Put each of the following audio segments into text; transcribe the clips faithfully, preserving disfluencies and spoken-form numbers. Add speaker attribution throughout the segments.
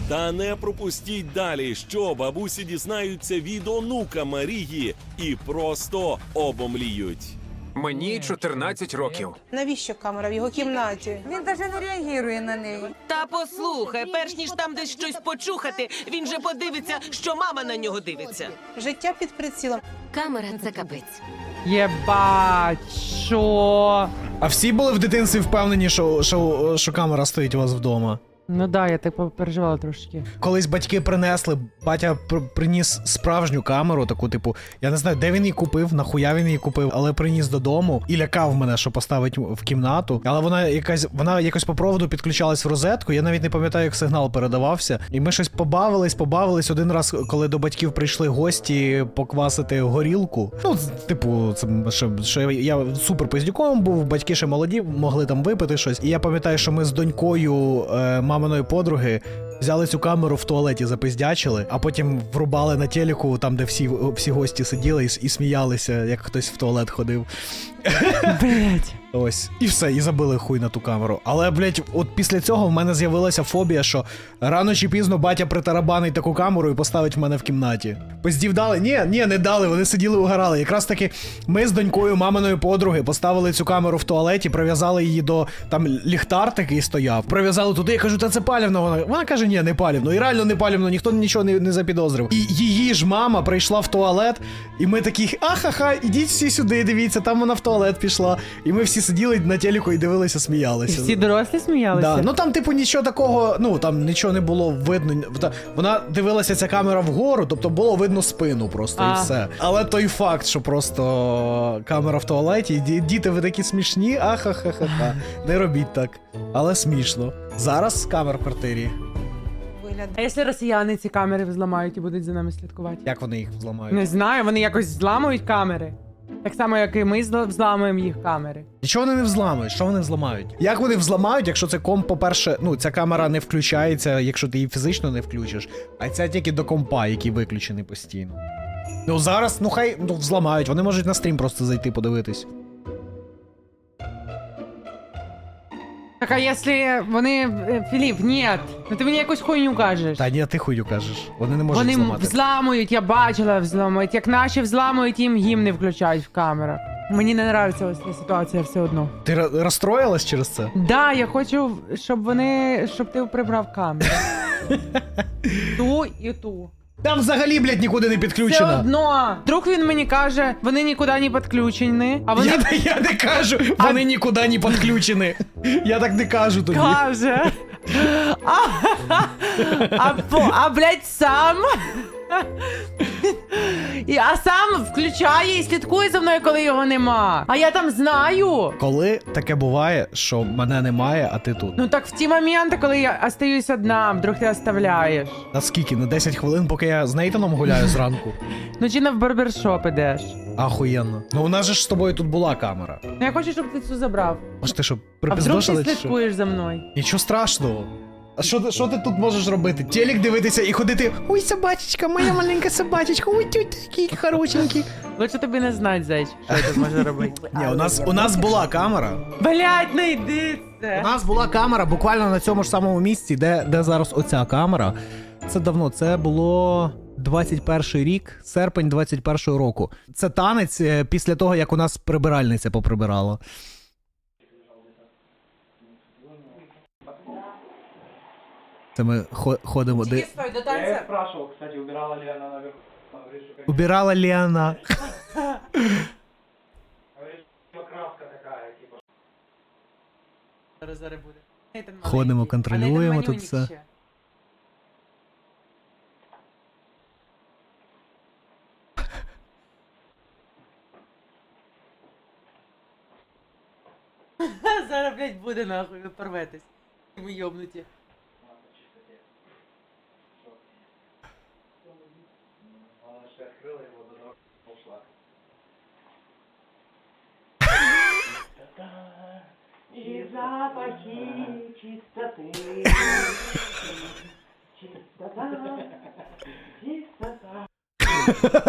Speaker 1: Та не пропустіть далі, що бабусі дізнаються від онука Марії і просто обомліють.
Speaker 2: Мені чотирнадцять років.
Speaker 3: Навіщо камера в його кімнаті?
Speaker 4: Він навіть не реагує на неї.
Speaker 5: Та послухай, перш ніж там десь щось почухати, він же подивиться, що мама на нього дивиться.
Speaker 3: Життя під прицілом.
Speaker 6: Камера – це капець.
Speaker 7: Єбать, що?
Speaker 8: А всі були в дитинстві впевнені, що, що, що камера стоїть у вас вдома?
Speaker 7: Ну да, я так переживала трошки.
Speaker 8: Колись батьки принесли, батя пр приніс справжню камеру, таку, типу, я не знаю, де він її купив, нахуя він її купив, але приніс додому і лякав мене, що поставить в кімнату. Але вона якась, вона якось по проводу підключалась в розетку, я навіть не пам'ятаю, як сигнал передавався. І ми щось побавились, побавились один раз, коли до батьків прийшли гості поквасити горілку. Ну, типу, це що, що я, я супер пиздюком був, батьки ще молоді, могли там випити щось. І я пам'ятаю, що ми з донькою е, маминої подруги взяли цю камеру в туалеті, запиздячили, а потім врубали на телеку, там, де всі, всі гості сиділи і, і сміялися, як хтось в туалет ходив.
Speaker 7: Блять.
Speaker 8: Ось. І все, і забили хуй на ту камеру. Але, блять, от після цього в мене з'явилася фобія, що рано чи пізно батя притарабанить таку камеру і поставить в мене в кімнаті. Пиздів дали? Ні, ні, не дали, вони сиділи угорали. Якраз таки ми з донькою маминої подруги поставили цю камеру в туалеті, прив'язали її до, там, ліхтар такий стояв, прив'язали туди, я кажу, та це палівно. Вона, вона каже, ні, не палівно. І реально не палівно, ніхто нічого не, не запідозрив. І її ж мама прийшла в туалет, і ми такі, ахаха, ідіть всі сюди, дивіться, там вона в туалет пішла. І ми всі сиділи на телеку і дивилися, сміялися.
Speaker 7: Всі дорослі сміялися?
Speaker 8: Да. Ну там, типу, нічого такого, ну там нічого не було видно. Вона дивилася, ця камера вгору, тобто було видно спину просто
Speaker 7: а.
Speaker 8: і все. Але той факт, що просто камера в туалеті, і діти, ви такі смішні, ахахахаха. Не робіть так. Але смішно. Зараз камер в квартирі.
Speaker 7: А якщо росіяни ці камери взламають і будуть за нами слідкувати?
Speaker 8: Як вони їх взламають?
Speaker 7: Не знаю, вони якось зламують камери. Так само, як і ми зла- взламуємо їх камери.
Speaker 8: Нічого вони не взламують, що вони взламають? Як вони взламають, якщо це комп, по-перше, ну, ця камера не включається, якщо ти її фізично не включиш, а ця тільки до компа, який виключений постійно. Ну зараз, ну хай, ну, взламають, вони можуть на стрім просто зайти подивитись.
Speaker 7: Так, а якщо вони... е, Філіп, ні, ну ти мені якусь хуйню кажеш.
Speaker 8: Та ні, ти хую кажеш, вони не можуть
Speaker 7: Вони
Speaker 8: зламати.
Speaker 7: взламують, я бачила, взламують. Як наші взламують, їм гімни включають в камерах. Мені не подобається ось ця ситуація все одно.
Speaker 8: Ти ро- розстроїлась через це?
Speaker 7: Да, я хочу, щоб вони, щоб ти прибрав камеру. Ту і ту.
Speaker 8: Там взагалі, блядь, нікуди не
Speaker 7: Все
Speaker 8: підключено.
Speaker 7: одно. Вдруг він мені каже, вони нікуди не підключені, а вони
Speaker 8: Я, я не кажу, вони нікуди не підключені. Я так не кажу тобі.
Speaker 7: каже. А, а, по- а блядь, сам. І, а сам включає і слідкує за мною, коли його нема. А я там знаю.
Speaker 8: Коли таке буває, що мене немає, а ти тут?
Speaker 7: Ну так в ті моменти, коли я остаюсь одна, вдруг ти оставляєш.
Speaker 8: На скільки? На десять хвилин, поки я з Нейтаном гуляю зранку?
Speaker 7: Ну чи на в барбершоп ідеш.
Speaker 8: Ахуєнно. Ну у нас же ж з тобою тут була камера.
Speaker 7: Ну я хочу, щоб ти цю забрав.
Speaker 8: Може ти що,
Speaker 7: А вдруг
Speaker 8: припиздошила
Speaker 7: ти
Speaker 8: чи що?
Speaker 7: слідкуєш за мною?
Speaker 8: Нічого страшного. А що, ти- що ти тут можеш робити? Телек дивитися і ходити. Ой, собачечка, моя маленька собачечка, ой, тють такий хорошенький.
Speaker 7: Лучше тобі не знать, зайч, що я тут можу робити.
Speaker 8: Ні, у нас, у нас була камера.
Speaker 7: Блять, не йди
Speaker 8: У
Speaker 7: це.
Speaker 8: нас була камера буквально на цьому ж самому місці, де, де зараз оця камера. Це давно, це було двадцять перший рік, серпень двадцять першого року. Це танець е, після того, як у нас прибиральниця поприбирала. Це ми хо- ходимо. Де...
Speaker 7: Стой, до
Speaker 9: Я
Speaker 7: танця.
Speaker 9: ее спрашивал, кстати, убирала ли она наверху. Она говорит, что конечно.
Speaker 8: Убирала ли вона?
Speaker 9: Говорит, что краска такая, типа.
Speaker 7: Зараз зараз буде. Нейтан
Speaker 8: Ходимо,
Speaker 7: маленький.
Speaker 8: контролюємо
Speaker 7: А Нейтан
Speaker 8: тут
Speaker 7: манюнік
Speaker 8: все.
Speaker 7: ще. Зараз, блядь, буде нахуй, ви порветесь. Ви йобнуті.
Speaker 9: Она же открыла его, до того, как ушла. И запахи чистоты. Чистота. Чистота.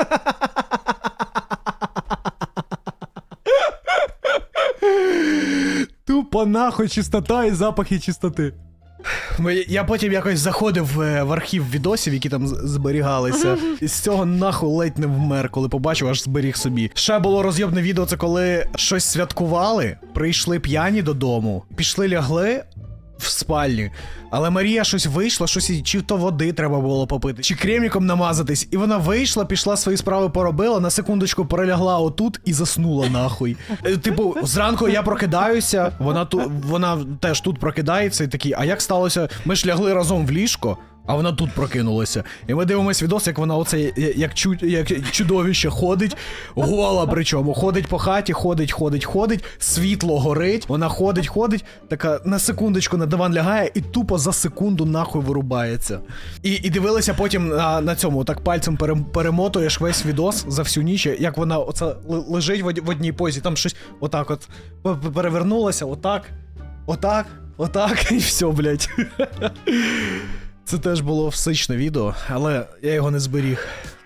Speaker 8: Тупо нахуй чистота і запахи чистоти. Ми- Я потім якось заходив е, в архів відосів, які там з- зберігалися. І з цього нахуй ледь не вмер, коли побачив, аж зберіг собі. Ще було розйобне відео, це коли щось святкували, прийшли п'яні додому, пішли лягли в спальні, але Марія щось вийшла, щось їй чи то води треба було попити, чи креміком намазатись, і вона вийшла, пішла свої справи поробила, на секундочку перелягла отут і заснула нахуй. Е, Типу, зранку я прокидаюся, вона тут, вона теж тут прокидається і такий, а як сталося? Ми ж лягли разом в ліжко, а вона тут прокинулася. І ми дивимось відос, як вона оце як, чу, як чудовище ходить, гола причому, ходить по хаті, ходить, ходить, ходить, світло горить, вона ходить, ходить, така на секундочку на диван лягає і тупо за секунду нахуй вирубається. І, і дивилися потім на, на цьому, так пальцем пере, перемотуєш весь відос за всю ніч, як вона оце л- лежить в, од- в одній позі, там щось отак от п- п- перевернулося, отак, отак, отак, і все, блядь. Це теж було всичне відео, але я його не зберіг.